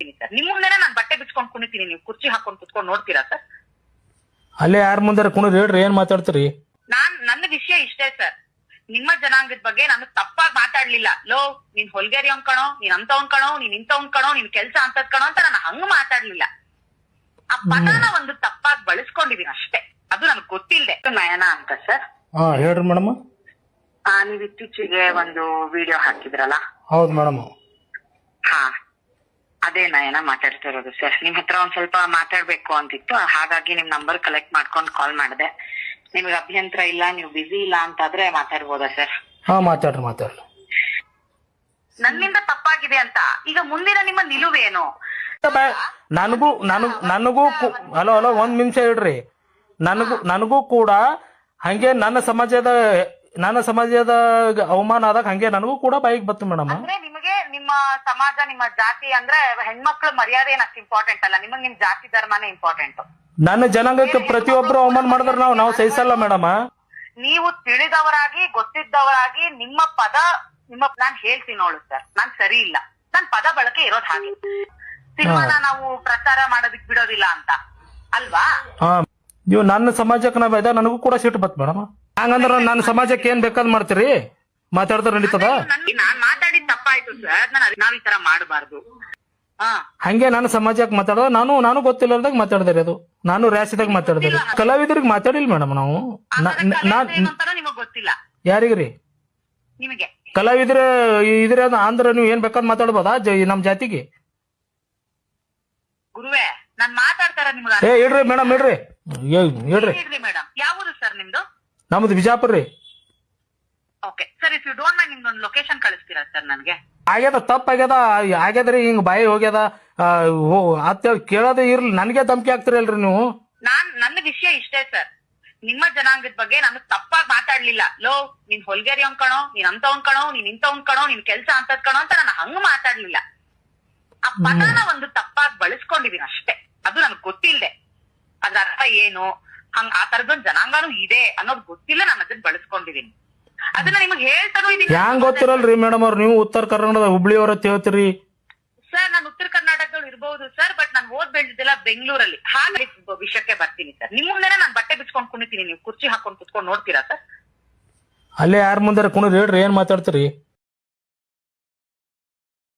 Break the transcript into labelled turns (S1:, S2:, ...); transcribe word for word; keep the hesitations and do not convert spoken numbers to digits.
S1: Sir ನಿಮ್ ಮುಂದೆನೆ ನಾನು ಬಟ್ಟೆ ಬಿಚ್ಕೊಂಡ್ ಕುಣಿತೀನಿ, ನೀವು ಕುರ್ಚಿ ಹಾಕೊಂಡ್ ಕುತ್ಕೊಂಡ್ ನೋಡ್ತೀರಾ ಸರ್?
S2: ಅಲ್ಲೇ ಯಾರ ಮುಂದಾರ ಕುಣಿದ್ರಿ ಹೇಳ್ರಿ, ಏನ್ ಮಾತಾಡ್ತೀರಿ?
S1: ನಾನ್ ನನ್ನ ವಿಷಯ ಇಷ್ಟೇ ಸರ್, ನಿಮ್ಮ ಜನಾಂಗದ ಬಗ್ಗೆ ನಾನು ತಪ್ಪಾಗಿ ಮಾತಾಡ್ಲಿಲ್ಲ. ಲೋ ನೀನ್ ಹೊಲ್ಗೇರಿ ಅವ್ನ್ ಕಣೋ, ನೀನ್ ಅಂತವನ್ ಕಣೋ, ನೀನ್ ಇಂಥವನ್ ಕಣೋ, ನಿನ್ ಕೆಲ್ಸ ಅಂತದ್ ಕಣೋ ಅಂತ ನಾನು ಹಂಗ ಮಾತಾಡ್ಲಿಲ್ಲ. ಆ ಪದನ ಒಂದು ತಪ್ಪಾಗಿ ಬಳಸ್ಕೊಂಡಿದೀನಿ ಅಷ್ಟೇ, ಅದು ನನಗ್ ಗೊತ್ತಿಲ್ದೆ. ನಯನ ಅಂತ ಸರ್.
S2: ಹಾ ಹೇಳ್ರಿ ಮೇಡಮ್.
S1: ಆ ನೀವ್ ಇತ್ತೀಚೆಗೆ ಒಂದು ವಿಡಿಯೋ ಹಾಕಿದ್ರಲ್ಲ?
S2: ಹೌದು ಮೇಡಮ್.
S1: ಹಾ ಅದೇ ನಯನ ಮಾತಾಡ್ತಾ ಇರೋದು ಸರ್. ನಿಮ್ ಹತ್ರ ಒಂದ್ ಸ್ವಲ್ಪ ಮಾತಾಡ್ಬೇಕು ಅಂತಿತ್ತು, ಹಾಗಾಗಿ ನಿಮ್ ನಂಬರ್ ಕಲೆಕ್ಟ್ ಮಾಡ್ಕೊಂಡ್ ಕಾಲ್ ಮಾಡಿದೆ. ನಿಮ್ಗೆ ಅಭ್ಯಂತರ ಇಲ್ಲ, ನೀವು ಬಿಸಿ ಇಲ್ಲ ಅಂತಾದ್ರೆ ಮಾತಾಡ್ಬೋದಾ ಸರ್?
S2: ಹಾ ಮಾತಾಡ್ರಿ ಮಾತಾಡ್ರಿ.
S1: ನನ್ನಿಂದ ತಪ್ಪಾಗಿದೆ ಅಂತ ಈಗ ಮುಂದಿನ ನಿಮ್ಮ ನಿಲುವೇನು?
S2: ನನಗೂ ನನಗ್ ನನಗೂ ಹಲೋ ಹಲೋ ಒಂದ್ ನಿಮಿಷ ಹೇಳ್ರಿ. ನನಗೂ ನನಗೂ ಕೂಡ ಹಂಗೆ ನನ್ನ ಸಮಾಜದ ನನ್ನ ಸಮಾಜದ ಅವಮಾನ ಆದಾಗ ಹಂಗೆ ನನಗೂ ಕೂಡ ಬೈಕ್ ಬತ್ತು ಮೇಡಮ್.
S1: ಅಂದ್ರೆ ನಿಮಗೆ ನಿಮ್ಮ ಸಮಾಜ, ನಿಮ್ಮ ಜಾತಿ ಅಂದ್ರೆ ಹೆಣ್ಮಕ್ಳ ಮರ್ಯಾದೆ ಏನ್ ಅಷ್ಟು ಇಂಪಾರ್ಟೆಂಟ್ ಅಲ್ಲ, ನಿಮಗ್ ನಿಮ್ ಜಾತಿ ಧರ್ಮನೇ ಇಂಪಾರ್ಟೆಂಟ್.
S2: ನನ್ನ ಜನಾಂಗಕ್ಕೆ ಪ್ರತಿಯೊಬ್ರು ಅವಮಾನ ಮಾಡಿದ್ರೆ ನಾವು ನಾವು ಸಹಿಸಲ್ಲ ಮೇಡಮ್.
S1: ನೀವು ತಿಳಿದವರಾಗಿ ಗೊತ್ತಿದ್ದವರಾಗಿ ನಿಮ್ಮ ಪದ ನಿಮ್ಮ ನಾನ್ ಹೇಳ್ತೀನಿ ನೋಡು ಸರ್, ನಾನ್ ಸರಿ ಇಲ್ಲ, ನನ್ ಪದ ಬಳಕೆ ಇರೋದ್ ಹಾಗೆ. ಸಿನಿಮಾನ ನಾವು ಪ್ರಚಾರ ಮಾಡೋದಿಕ್ ಬಿಡೋದಿಲ್ಲ ಅಂತ ಅಲ್ವಾ?
S2: ಹಾ ನೀವು ನನ್ನ ಸಮಾಜಕ್ಕೆ ನಾವ್ ಇದ್ದ ನನಗೂ ಕೂಡ ಸಿಟ್ಟು ಬತ್ ಮೇಡಮ್. ಹಂಗಂದ್ರ ನನ್ನ ಸಮಾಜಕ್ಕೆ ಏನ್ ಬೇಕಾದ್ ಮಾಡ್ತೀರಿ? ಮಾತಾಡಿದ್ರೆ ನಡೀತದ?
S1: ನಾನ್ ಮಾತಾಡಿದ್ ತಪ್ಪಾಯ್ತು ಸರ್, ನಾವ್ ಈ ತರ ಮಾಡಬಾರ್ದು.
S2: ಹಂಗೆ ನನ್ನ ಸಮಾಜಕ್ಕೆ ಮಾತಾಡೋದು ನಾನು ನಾನು ಗೊತ್ತಿಲ್ಲದಾಗ ಮಾತಾಡಿದ್ರಿ, ಅದು ನಾನು ರ್ಯಾಸಿದಾಗ ಮಾತಾಡಿದ್ರಿ. ಕಲಾವಿದರಿಗೆ ಮಾತಾಡಿಲ್ಲ ಮೇಡಮ್ ನಾವು.
S1: ನಿಮಗ್ ಗೊತ್ತಿಲ್ಲ
S2: ಯಾರಿಗ್ರಿ?
S1: ನಿಮಗೆ
S2: ಕಲಾವಿದ್ರ ಇದ್ರ ಅಂದ್ರ ನೀವ್ ಏನ್ ಬೇಕಾದ್ ಮಾತಾಡ್ಬೋದಾ ನಮ್ ಜಾತಿಗೆ?
S1: ಗುರುವೇ ನಾನ್ ಮಾತಾಡ್ತಾರ ನಿಮ್ಗೆ.
S2: ಏ ಇಡ್ರಿ ಮೇಡಮ್, ಇಡ್ರಿ ಇಡ್ರಿ.
S1: ಮೇಡಮ್ ಯಾವುದು ಸರ್ ನಿಮ್ದು?
S2: ನಮ್ದು ಬಿಜಾಪುರ ರೀ.
S1: Okay sir, if you don't mind ನಿಮ್ದೊಂದು ಲೊಕೇಶನ್ ಕಳಿಸ್ತೀರಾ ಸರ್ ನನ್ಗೆ?
S2: ಆಗ್ಯದ ತಪ್ಪಾಗ್ಯದ ಆಗ್ಯದ್ರಿ, ಹಿಂಗ್ ಬಾಯಿ ಹೋಗ್ಯದ ಅಂತ ಕೇಳೋದೇ ಇರ್ಲಿ, ನನ್ಗೆ ಧಮಕಿ ಹಾಕ್ತಿರಲ್ರಿ ನೀವು.
S1: ನಾನ್ ನನ್ನ ವಿಷಯ ಇಷ್ಟೇ ಸರ್, ನಿಮ್ಮ ಜನಾಂಗದ ಬಗ್ಗೆ ನಾನು ತಪ್ಪಾಗಿ ಮಾತಾಡ್ಲಿಲ್ಲ. ಲೋ ನೀನ್ ಹೊಲ್ಗೇರಿ ಅವ್ನ್ ಕಣೋ, ನೀನ್ ಅಂತವನ್ ಕಣೋ, ನೀನ್ ಇಂಥವನ್ ಕಣೋ, ನಿನ್ ಕೆಲ್ಸ ಅಂತದ್ ಕಣೋ ಅಂತ ನಾನು ಹಂಗ ಮಾತಾಡ್ಲಿಲ್ಲ. ಆ ಪದನ ಒಂದು ತಪ್ಪಾಗಿ ಬಳಸ್ಕೊಂಡಿದೀನಿ ಅಷ್ಟೇ, ಅದು ನನಗ್ ಗೊತ್ತಿಲ್ದೆ. ಅದ್ರ ಅರ್ಥ ಏನು, ಹಂಗ ಆ ತರದೊಂದ್ ಜನಾಂಗನೂ ಇದೆ ಅನ್ನೋದು ಗೊತ್ತಿಲ್ಲ, ನಾನು ಅದನ್ನ ಬಳಸ್ಕೊಂಡಿದೀನಿ. ಅದನ್ನ ನಿಮಗ್ ಹೇಳ್ತಾನೂ ಇದೀನಿ.
S2: ಹ್ಯಾಂಗ್ ಗೊತ್ತಿರಲ್ರಿ ಮೇಡಮ್ ಅವ್ರು, ನೀವು ಉತ್ತರ ಕರ್ನಾಟಕದ ಹುಬ್ಳಿ ಅವ್ರ ಹೇಳ್ತೀರಿ
S1: ಸರ್. ನಾನು ಉತ್ತರ ಕರ್ನಾಟಕದವ್ರು ಇರ್ಬಹುದು ಸರ್, ಬಟ್ ನಾನು ಓದ್ ಬೆಳೆದಿದ್ದೆಲ್ಲ ಬೆಂಗಳೂರಲ್ಲಿ. ಹಾಗೆ ವಿಷಯಕ್ಕೆ ಬರ್ತೀನಿ ಸರ್, ನಿಮ್ ಮುಂದೆನೆ ನಾನು ಬಟ್ಟೆ ಬಿಚ್ಕೊಂಡ್ ಕುಣಿತೀನಿ, ನೀವು ಕುರ್ಚಿ ಹಾಕೊಂಡ್ ಕುತ್ಕೊಂಡ್ ನೋಡ್ತೀರಾ ಸರ್?
S2: ಅಲ್ಲೇ ಯಾರ ಮುಂದಾರ ಕುಣಿದ್ರಿ ಹೇಳ್ರಿ, ಏನ್ ಮಾತಾಡ್ತೀರಿ?